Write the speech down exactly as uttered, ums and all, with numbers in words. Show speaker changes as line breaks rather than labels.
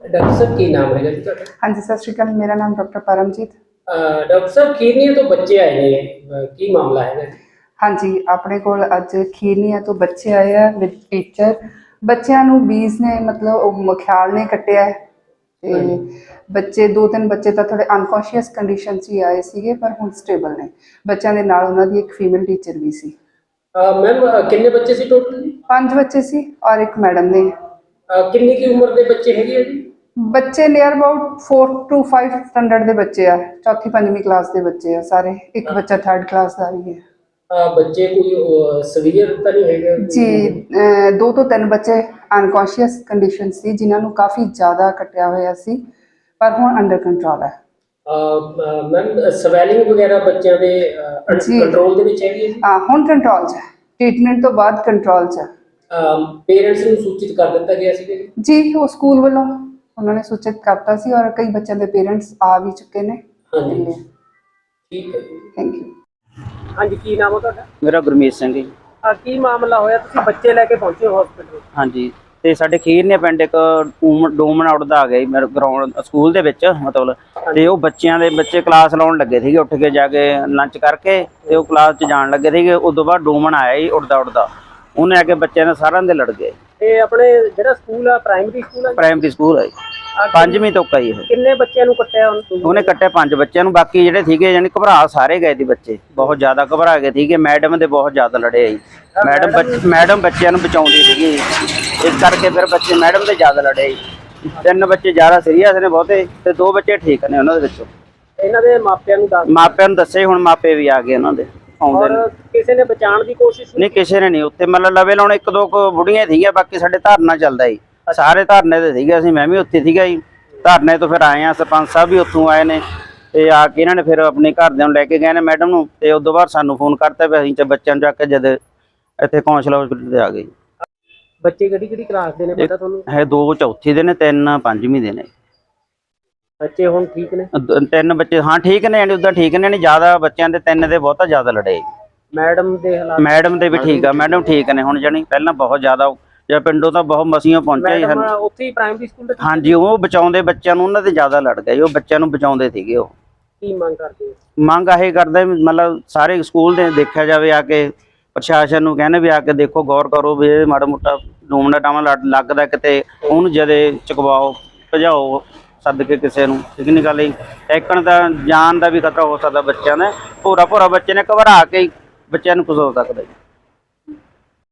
Doctor साहब की नाम है जी ਤੁਹਾਡਾ?
हाँ जी, सत श्री अकाल। मेरा नाम डॉक्टर परमजीत।
डॉक्टर साहब खीरनिया तो बच्चे आए ने की मामला है जी?
हाँ जी, अपने कोल अज खीरनिया तो बच्चे आए हैं विद टीचर। बच्चों नूं बीज ने मतलब मख्याल ने कट्टिया है ते बच्चे दो तीन बच्चे तो थोड़े अनकॉन्शियस कंडीशन च ही आए सीगे, पर हुण स्टेबल ने। बच्चों के नाल उन्हां दी एक फीमेल टीचर भी सी।
मैम कितने बच्चे सी टोटल?
पांच बच्चे सी और एक मैडम ने।
कितनी की उम्र के बच्चे है जी?
बच्चे near about four two five standard के बच्चे आ, चौथी पंजवीं क्लास के बच्चे आ सारे। एक बच्चा थर्ड क्लास का भी है।
बच्चे कोई सवीयर तो नहीं है
जी? अ, दो तो तीन बच्चे अनकॉन्शियस कंडीशन सी जिन्होंने काफ़ी ज़्यादा कटिया होया सी, पर हुण अंडर कंट्रोल है।
मैम स्वैलिंग वगैरह बच्चों के कंट्रोल दे विच हैगी है?
हाँ, हुण कंट्रोल च है। ट्रीटमेंट तो बाद कंट्रोल च है।
पेरेंट्स ਨੂੰ सूचित कर दिता गया ਸੀ
जी, वो स्कूल वालों उन्होंने सूचित करता सी और कई बच्चों के पेरेंट्स आ भी चुके ने।
हाँ जी, ठीक है।
Thank you.
हाँ जी, की नाम है ਤੁਹਾਡਾ?
मेरा गुरमीत सिंह जी।
ਆ ਕੀ ਮਾਮਲਾ ਹੋਇਆ ਤੁਸੀਂ ਬੱਚੇ ਲੈ ਕੇ ਪਹੁੰਚੇ ਹੋ ਹਸਪੀਟਲ?
ਹਾਂਜੀ, ਤੇ ਸਾਡੇ ਖੀਰਨੇ ਪਿੰਡ ਇੱਕ ਡੂਮਨ ਆਊਟ ਦਾ ਆ ਗਿਆ ਜੀ ਮੇਰੇ ਗਰਾਊਂਡ ਸਕੂਲ ਦੇ ਵਿੱਚ ਮਤਲਬ, ਤੇ ਉਹ ਬੱਚਿਆਂ ਦੇ ਬੱਚੇ ਕਲਾਸ ਲਾਉਣ ਲੱਗੇ ਸੀਗੇ ਉੱਠ ਕੇ ਜਾ ਕੇ ਲੰਚ ਕਰਕੇ, ਤੇ ਉਹ ਕਲਾਸ 'ਚ ਜਾਣ ਲੱਗੇ ਸੀਗੇ। ਉਦੋਂ ਬਾਅਦ ਡੂਮਨ ਆਇਆ ਜੀ ਉੱਡਦਾ ਉੱਡਦਾ, ਉਹਨੇ ਆ ਕੇ ਬੱਚਿਆਂ ਨੇ ਸਾਰਿਆਂ ਦੇ ਲੜ ਗਏ।
ਇਹ ਆਪਣੇ ਜਿਹੜਾ ਸਕੂਲ ਆ ਪ੍ਰਾਇਮਰੀ ਸਕੂਲ ਆ?
ਪ੍ਰਾਇਮਰੀ ਸਕੂਲ ਹੈ ਜੀ, ਪੰਜਵੀਂ ਤੋਂ ਕਈ ਇਹ।
ਕਿੰਨੇ ਬੱਚਿਆਂ ਨੂੰ ਕੱਟਿਆ ਉਹਨੇ?
ਉਹਨੇ ਕੱਟਿਆ ਪੰਜ ਬੱਚਿਆਂ ਨੂੰ, ਬਾਕੀ ਜਿਹੜੇ ਸੀਗੇ ਯਾਨੀ ਘਬਰਾ ਸਾਰੇ ਗਏ ਸੀ ਬੱਚੇ, ਬਹੁਤ ਜ਼ਿਆਦਾ ਘਬਰਾ ਗਏ ਸੀਗੇ। ਮੈਡਮ ਦੇ ਬਹੁਤ ਜ਼ਿਆਦਾ ਲੜੇ ਜੀ। ਮੈਡਮ ਮੈਡਮ ਬੱਚਿਆਂ ਨੂੰ ਬਚਾਉਂਦੀ ਸੀਗੀ, ਇਸ ਕਰਕੇ ਫਿਰ ਬੱਚੇ ਮੈਡਮ ਦੇ ਜ਼ਿਆਦਾ ਲੜੇ ਜੀ। ਤਿੰਨ ਬੱਚੇ ਜ਼ਿਆਦਾ ਸੀਰੀਅਸ ਨੇ ਬਹੁਤੇ, ਤੇ ਦੋ ਬੱਚੇ ਠੀਕ ਨੇ ਉਹਨਾਂ ਦੇ ਵਿੱਚੋਂ।
ਇਹਨਾਂ ਦੇ ਮਾਪਿਆਂ ਨੂੰ ਦੱਸ
ਮਾਪਿਆਂ ਨੂੰ ਦੱਸੇ, ਹੁਣ ਮਾਪੇ ਵੀ ਆ ਗਏ ਉਹਨਾਂ ਦੇ ਆਉਂਦੇ ਨੇ।
ਕਿਸੇ ਨੇ ਬਚਾਉਣ ਦੀ ਕੋਸ਼ਿਸ਼
ਨਹੀਂ, ਕਿਸੇ ਨੇ ਨਹੀਂ। ਉੱਥੇ ਮਤਲਬ ਲਵੇ ਲਾਉਣ ਇੱਕ ਦੋ ਕੁ ਬੁੜੀਆਂ ਸੀਗੀਆਂ, ਬਾਕੀ ਸਾਡੇ ਧਰਨਾ ਚੱਲਦਾ ਜੀ, ਸਾਰੇ ਧਰਨੇ ਤੇ ਸੀਗੇ। ਅਸੀਂ ਮੈਂ ਵੀ ਉੱਥੇ ਸੀਗਾ ਜੀ। ਧਰਨੇ ਤੋਂ ਫਿਰ ਆਏ ਆ, ਸਰਪੰਚ ਸਾਹਿਬ ਵੀ ਉੱਥੋਂ ਆਏ ਨੇ, ਤੇ ਆ ਕੇ ਇਹਨਾਂ ਨੇ ਫਿਰ ਆਪਣੇ ਘਰਦਿਆਂ ਨੂੰ ਲੈ ਕੇ ਗਏ ਨੇ ਮੈਡਮ ਨੂੰ, ਤੇ ਉਸ ਤੋਂ ਬਾਅਦ ਸਾਨੂੰ ਫੋਨ ਕਰਤਾ ਵੀ ਅਸੀਂ ਚ ਬੱਚਿਆਂ ਨੂੰ ਚੱਕ ਕੇ ਜਦ ਇੱਥੇ ਕੌਂਸਲ ਹਸਪੀਟਲ ਤੇ ਆ ਗਏ।
ਬੱਚੇ ਕਿਹੜੀ ਕਿਹੜੀ ਕਲਾਸ ਦੇ ਨੇ ਪਤਾ ਤੁਹਾਨੂੰ?
ਹੈ ਦੋ ਚੌਥੀ ਦੇ ਨੇ, ਤਿੰਨ ਪੰਜਵੀਂ ਦੇ ਨੇ।
ਬੱਚੇ ਹੁਣ ਠੀਕ ਨੇ?
ਤਿੰਨ ਬੱਚੇ ਹਾਂ ਠੀਕ ਨੇ, ਯਾਨੀ ਉਦਾਂ ਠੀਕ ਨੇ, ਨਹੀਂ ਜ਼ਿਆਦਾ ਬੱਚਿਆਂ ਦੇ ਤਿੰਨ ਦੇ ਬਹੁਤਾ ਜ਼ਿਆਦਾ ਲੜੇ।
ਮੈਡਮ ਦੇ ਹਾਲਾਤ?
ਮੈਡਮ ਦੇ ਵੀ ਠੀਕ ਆ, ਮੈਡਮ ਠੀਕ ਨੇ ਹੁਣ, ਜਾਣੀ ਪਹਿਲਾਂ ਬਹੁਤ ਜ਼ਿਆਦਾ ਜਾਂ ਪਿੰਡੋਂ ਤਾਂ ਬਹੁਤ ਮਸੀਆਂ ਪਹੁੰਚੇ ਹਨ
ਉੱਥੇ ਹੀ ਪ੍ਰਾਇਮਰੀ ਸਕੂਲ ਦੇ।
ਹਾਂਜੀ, ਉਹ ਬਚਾਉਂਦੇ ਬੱਚਿਆਂ ਨੂੰ, ਉਹਨਾਂ ਦੇ ਜ਼ਿਆਦਾ ਲੜ ਗਏ। ਉਹ ਬੱਚਿਆਂ ਨੂੰ ਬਚਾਉਂਦੇ ਸੀਗੇ। ਉਹ
ਕੀ ਮੰਗ ਕਰਦੇ?
ਮੰਗ ਇਹ ਕਰਦੇ ਮਤਲਬ ਸਾਰੇ ਸਕੂਲ ਦੇ ਦੇਖਿਆ ਜਾਵੇ, ਆ ਕੇ ਪ੍ਰਸ਼ਾਸਨ ਨੂੰ ਕਹਿੰਦੇ ਵੀ ਆ ਕੇ ਦੇਖੋ, ਗੌਰ ਕਰੋ ਵੀ ਇਹ ਮਾੜਾ ਮੋਟਾ ਡੂਮਣਾ ਟਾਵਾਂ ਲੱਗਦਾ ਕਿਤੇ, ਉਹਨੂੰ ਜਦੇ ਚੁਕਵਾਓ, ਭਜਾਓ ਸੱਦ ਕੇ ਕਿਸੇ ਨੂੰ। ਠੀਕ ਨਹੀਂ ਗੱਲ ਜੀ? ਟੈਕਣ ਦਾ ਜਾਨ ਦਾ ਵੀ ਖਤਰਾ ਹੋ ਸਕਦਾ ਬੱਚਿਆਂ ਦਾ। ਭੋਰਾ ਭੋਰਾ ਬੱਚੇ ਨੇ ਘਬਰਾ ਕੇ ਬੱਚਿਆਂ ਨੂੰ ਕੁਝ ਹੋ ਸਕਦਾ ਜੀ।